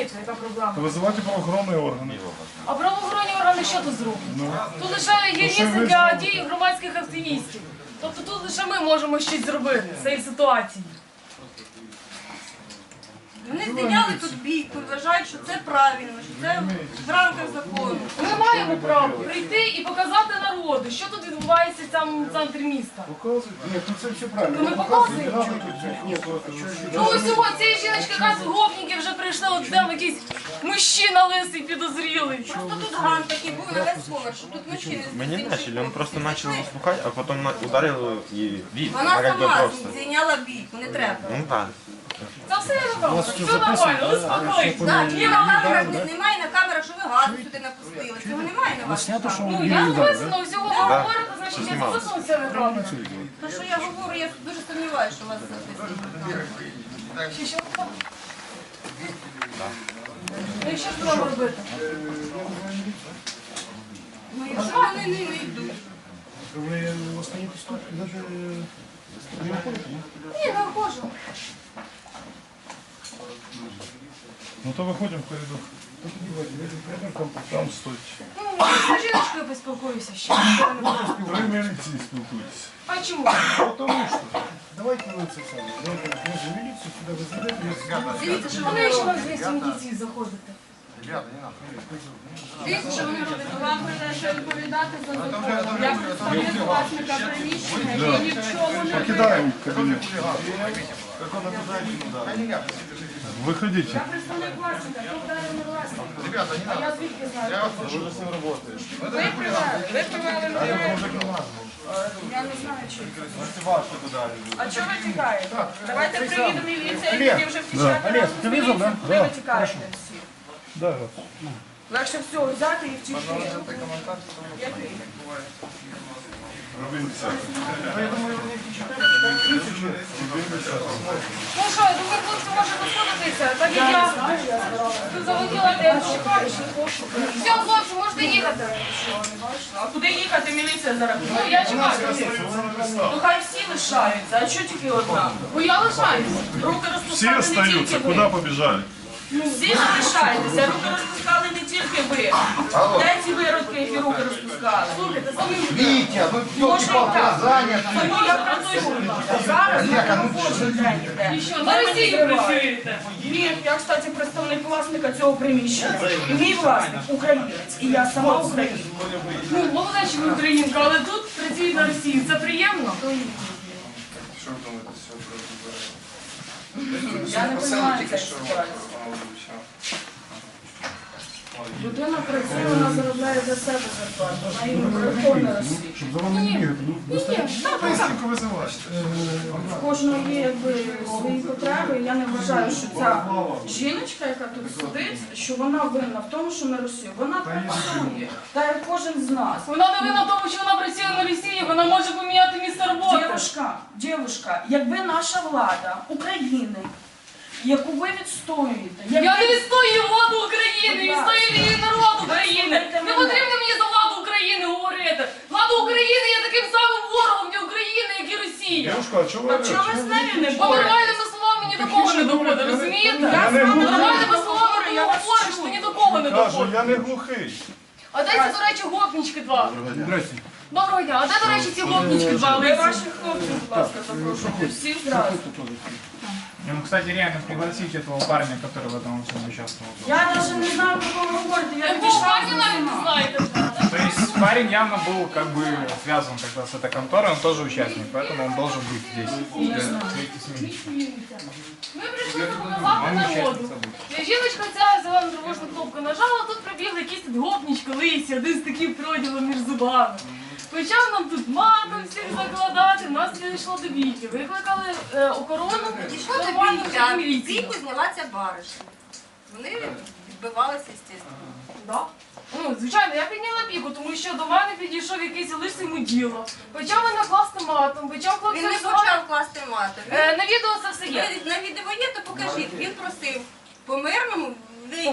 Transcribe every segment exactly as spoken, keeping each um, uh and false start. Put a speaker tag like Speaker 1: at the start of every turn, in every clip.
Speaker 1: розумієте, яка проблема?
Speaker 2: Визивати правоохоронні органи.
Speaker 1: А правоохоронні органи що тут зроблять? Тут лише є місце для дій громадських активістів. Тобто тут лише ми можемо щось зробити з цієї ситуації.
Speaker 3: Вони зайняли тут бійку і вважають, що це правильно, що це в рамках закону.
Speaker 1: Ми маємо право прийти і показати народу, що тут відбувається в цьому центрі міста.
Speaker 2: Показують? Ні, ну це все правильно.
Speaker 1: То ми показуємо. Ну ось цього, цієї жіночки, яка з гопніки вже прийшли, от там якийсь мужчина лисий підозрілий.
Speaker 3: Просто тут ган такий був на весь поверх, що тут мужчини
Speaker 4: Мы не начали, он просто начал слухать, а потом на- ударил и
Speaker 3: Вона
Speaker 4: а как бы
Speaker 3: сама
Speaker 4: просто.
Speaker 3: зайняла бійку, не треба.
Speaker 4: Ну да.
Speaker 1: Це все нормально, все нормально, успокойтесь.
Speaker 3: Так, є на камерах, не- немає на камерах, що ви газу сюди напустили. Цього немає на ваших камерах.
Speaker 1: Ну, я написано, всього ви говорите, значить я записано це неправильно.
Speaker 3: То, що я говорю, я дуже сумніваюся, що у вас записано на камерах.
Speaker 1: Ще що? Ну і що ж треба робити?
Speaker 3: Ну, якщо вони не йдуть.
Speaker 2: Ви остаєтесь тут, навіть не виходите, ні?
Speaker 1: Ні, не вхожу.
Speaker 2: Ну то виходимо в коридор. Там, там стоїть.
Speaker 1: Ну, я з жіночкою поспілкуюся ще. нічого не буде.
Speaker 2: Ви міліції спілкуєтесь.
Speaker 1: А чому?
Speaker 2: Потому що. Давайте ви це саме. Давайте може міліцію сюди ви зайдете.
Speaker 3: Дивіться, що
Speaker 1: А
Speaker 3: вони
Speaker 1: навіщо
Speaker 3: роблять.
Speaker 1: вам двісті міліції заходити?
Speaker 3: Дивіться, що вони роблять.
Speaker 5: Вам прийдеться відповідати за закон. Я представник власника приміщення, я ні в чому не
Speaker 2: Покидаємо кабінет. Виходіть.
Speaker 1: Я представник власника, хто вдарив на власника? А я звідки знаю?
Speaker 5: Ви привели, ви привели мене. Я не знаю, чи. А чого ви тікаєте? Давайте приїде міліція і тоді вже втічати.
Speaker 2: Олег, ти визвав, да?
Speaker 5: Ви ви тікаєте всі.
Speaker 2: Да.
Speaker 5: Легше всього взяти і втікти. Який?
Speaker 1: Ну що, я думаю, хлопці може розходитися, так як я тут заводила те шукаю. Все, хлопці, можете їхати.
Speaker 5: А куди їхати? Міліція зараз.
Speaker 1: Ну, я чекаю.
Speaker 5: Ну хай всі лишаються, а чого тільки одна?
Speaker 1: Бо я лишаюся.
Speaker 5: Руки
Speaker 2: Всі
Speaker 5: розпускали не
Speaker 2: остаються,
Speaker 5: тільки ви.
Speaker 2: куди побіжали?
Speaker 5: Всі залишайтеся, руки розпускали не тільки ви. Де ці виродки, які руки розпускали?
Speaker 1: Слухайте, самі
Speaker 6: Витя, ну елки-палки, я занят.
Speaker 5: Тому я працюю. Зараз я не робочий день йде.
Speaker 1: І що, на Росії працюєте?
Speaker 5: Ні, я, кстати, представник власника цього приміщення. І мій власник українець, і я сама українка.
Speaker 1: Ну, молода, що ви українка, але тут працюють на Росії. Це приємно?
Speaker 5: Я не розумію цієї ситуації. Людина працює, вона заробляє за себе зарплату, вона і мікрофон на Росії.
Speaker 2: Щоб за вами не бігати. Ну, достатньо.
Speaker 6: Сколько вызываешь?
Speaker 5: В кожного є якби свої потреби. Я не вважаю, що ця жіночка, яка тут сидить, що вона винна в тому, що на Росію. Вона працює, та як кожен з нас.
Speaker 1: Вона не винна в тому, що вона працює на Росії, вона може поміняти місце роботи.
Speaker 5: Дівушка, дівушка, якби наша влада України, яку ви відстоюєте, якби...
Speaker 1: Я не відстоюю владу України, відстоюю її народ України. Не потрібно мені за владу України говорити. Влада України є таким самим ворогом для України, як і Росія.
Speaker 2: Дівушка, а чого
Speaker 5: А
Speaker 2: ви?
Speaker 5: чого ви з нею не
Speaker 1: Бо
Speaker 5: боретесь?
Speaker 1: нормальними словами ні до кого не доходить, розумієте?
Speaker 5: Я з вами
Speaker 1: Нормальними
Speaker 5: говорю,
Speaker 1: словами ти
Speaker 5: я вас
Speaker 1: говориш,
Speaker 5: чую.
Speaker 1: то ні до кого не
Speaker 2: Кажу,
Speaker 1: доходить.
Speaker 2: я не глухий.
Speaker 1: А де ці, до речі, гопнічки два? Доброго дня. А де, до речі, ці гопнічки два?
Speaker 5: Ви ваших хлопців, будь ласка, запрошуйте. Всіх зразу.
Speaker 7: Ну, кстати, реально пригласить этого парня, который в этом всем участвовал.
Speaker 5: Я навіть не знаю, про кого ви говорите. Я
Speaker 1: Якого
Speaker 5: підійшла
Speaker 1: парня
Speaker 5: до
Speaker 1: навіть не
Speaker 5: нього.
Speaker 1: знаєте?
Speaker 7: То есть парень явно был как бы связан тогда с этой конторой, он тоже участник, поэтому он должен быть здесь. Вместе с ним.
Speaker 1: Ми прийшли показати народу. Жіночка ця зелену тривожну кнопку нажала, тут прибігли якісь тут гопнічки лисі, один з таким проділом між зубами. Почав нам тут матом всіх закладати, нас дійшло до бійки. Викликали е, охорону,
Speaker 3: Дійшло до
Speaker 1: нормально
Speaker 3: бійки,
Speaker 1: вже
Speaker 3: а
Speaker 1: міліцію.
Speaker 3: бійку зняла ця баришня. Вони відбивалися, звісно.
Speaker 1: Да. Ну, звичайно, я підняла піку, тому що до мене підійшов якийсь лисий муділо. Почав мене класти матом, почав
Speaker 3: Він не
Speaker 1: хлопцям
Speaker 3: почав класти мати.
Speaker 1: Е, на відео це все є.
Speaker 3: Ви на відео є, то покажіть. Він просив по-мирному вийти.
Speaker 1: По-мирному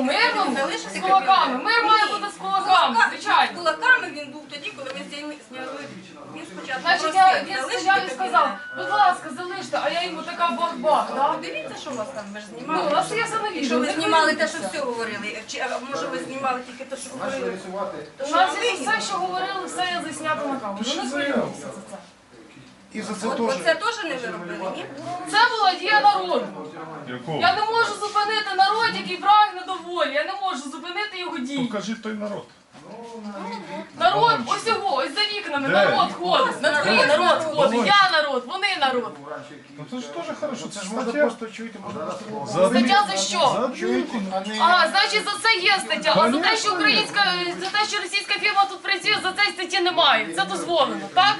Speaker 3: залишити
Speaker 1: З кулаками.
Speaker 3: кабінет.
Speaker 1: Мир має
Speaker 3: Ні.
Speaker 1: бути з кулаками,
Speaker 3: З
Speaker 1: звичайно.
Speaker 3: кулаками він був тоді, коли ми зняли, зняли. Він спочатку
Speaker 1: Значить,
Speaker 3: просив
Speaker 1: я, він
Speaker 3: залишити
Speaker 1: стояв і сказав,
Speaker 3: кабінет.
Speaker 1: будь ласка, залиште, а я йому така бах-бах, так?
Speaker 3: Дивіться, що у вас там, ви ж
Speaker 1: Ну, у
Speaker 3: знімали.
Speaker 1: нас є все на відео.
Speaker 3: Якщо ви
Speaker 1: не
Speaker 3: знімали те, що
Speaker 1: хвилюйтеся.
Speaker 3: все говорили, чи а може ви знімали тільки те, що говорили?
Speaker 1: У нас є все, що говорили, все є заснято на камеру.
Speaker 2: Пиши
Speaker 1: Не
Speaker 2: заяву.
Speaker 1: хвилюйтеся за це.
Speaker 6: І за це
Speaker 3: От,
Speaker 6: теж.
Speaker 3: оце теж не ви робили, ні?
Speaker 1: Це була дія народу.
Speaker 2: Якого?
Speaker 1: Я не можу зупинити народ, який прагне до волі. Я не можу зупинити його дії.
Speaker 2: Покажи той народ.
Speaker 1: Народ, ось його, ось за вікнами,
Speaker 2: Де?
Speaker 1: народ ходить. На дворі народ ходить. Я народ, вони народ.
Speaker 2: Ну це ж теж хорошо, це ж
Speaker 6: Можна
Speaker 2: стаття.
Speaker 6: просто чуєте, можна просто
Speaker 2: За
Speaker 1: Стаття за що?
Speaker 2: За чуйте.
Speaker 1: А, значить, за це є стаття. А за те, що українська, за те, що російська фірма тут працює, за це статті немає. Це дозволено, так?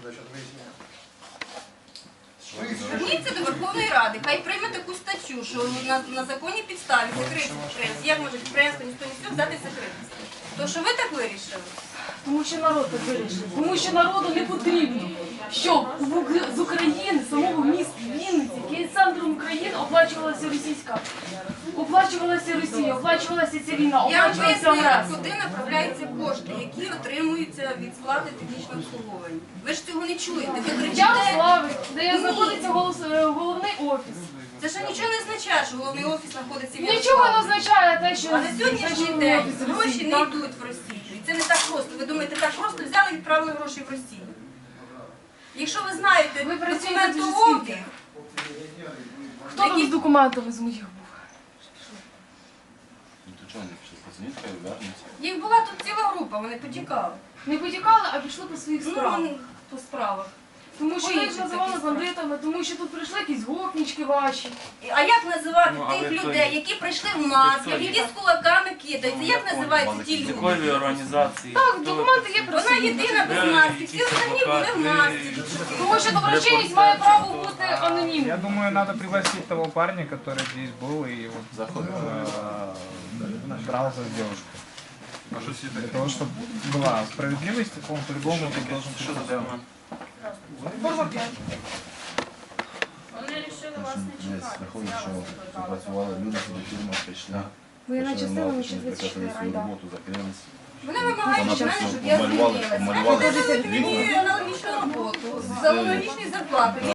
Speaker 3: Зверніться до Верховної Ради, хай прийме таку статтю, що на, на законній підставі секретність підприємств. Як може підприємство ніхто не спів взяти секретність? То що ви так вирішили?
Speaker 1: Тому що народ так вирішив. Тому що народу не потрібно, щоб в Ук- з України, самого міста Вінниці, який є центром України, оплачувалася російська. Оплачувалася Росія, оплачувалася ця війна,
Speaker 3: Я вам
Speaker 1: оплачувалася
Speaker 3: пояснила,
Speaker 1: агресія.
Speaker 3: куди направляються кошти, які отримуються від сплати технічного обслуговування. Ви ж цього не чуєте. Ви кричите.
Speaker 1: Ярослави, де
Speaker 3: Ні.
Speaker 1: знаходиться голос- е, головний офіс.
Speaker 3: Це ще нічого не означає, що головний офіс знаходиться в
Speaker 1: Нічого не
Speaker 3: Ярославі.
Speaker 1: означає те, що
Speaker 3: А на сьогоднішній
Speaker 1: значить,
Speaker 3: день
Speaker 1: офіс Росії,
Speaker 3: гроші не
Speaker 1: так?
Speaker 3: йдуть в Росію. І це не так просто. Ви думаєте, так просто взяли і відправили гроші в Росію. Якщо ви знаєте
Speaker 1: Ви працюєте дуже
Speaker 3: документообіг,
Speaker 1: скільки? Хто там з документами з моїх був?
Speaker 3: їх була тут ціла група, вони потікали.
Speaker 1: Не потікали, а пішли по своїх справах.
Speaker 3: Ну, по справах.
Speaker 1: Тому що
Speaker 3: по
Speaker 1: їх
Speaker 3: інших
Speaker 1: називали
Speaker 3: таких
Speaker 1: бандитами, тому що тут прийшли якісь гопнічки ваші.
Speaker 3: А як називати
Speaker 4: Ну, але
Speaker 3: тих
Speaker 4: то
Speaker 3: людей,
Speaker 4: є.
Speaker 3: які прийшли в масках,
Speaker 4: Це є.
Speaker 3: які з кулаками кидаються? Як називаються ті люди?
Speaker 4: Якої організації?
Speaker 1: Так, документи є при
Speaker 3: Вона
Speaker 1: собі.
Speaker 3: єдина без маски, всі остальні були в масці.
Speaker 1: Тому що доброчинність має право бути
Speaker 7: Я
Speaker 1: анонімною.
Speaker 7: думаю, надо пригласить того парня, который здесь был и вот э, дрался с девушкой. Для того, чтобы была справедливость, он по-любому тут должен присутствовать.
Speaker 5: Вони вирішили вас не чекати.
Speaker 6: Виходить, що працювали люди, сюди фірма прийшли.
Speaker 1: Воєнна
Speaker 6: Почали
Speaker 1: частина
Speaker 6: мало,
Speaker 1: лише
Speaker 6: що не
Speaker 1: двадцять чотири
Speaker 6: прекратили свою
Speaker 1: райда.
Speaker 6: роботу, закрились.
Speaker 3: Вони вимагають від мене, щоб я
Speaker 6: Помалювали-
Speaker 3: звільнилася.
Speaker 6: помалювали
Speaker 3: Вони
Speaker 6: вікна.
Speaker 3: мені аналогічну роботу, за аналогічні зарплати.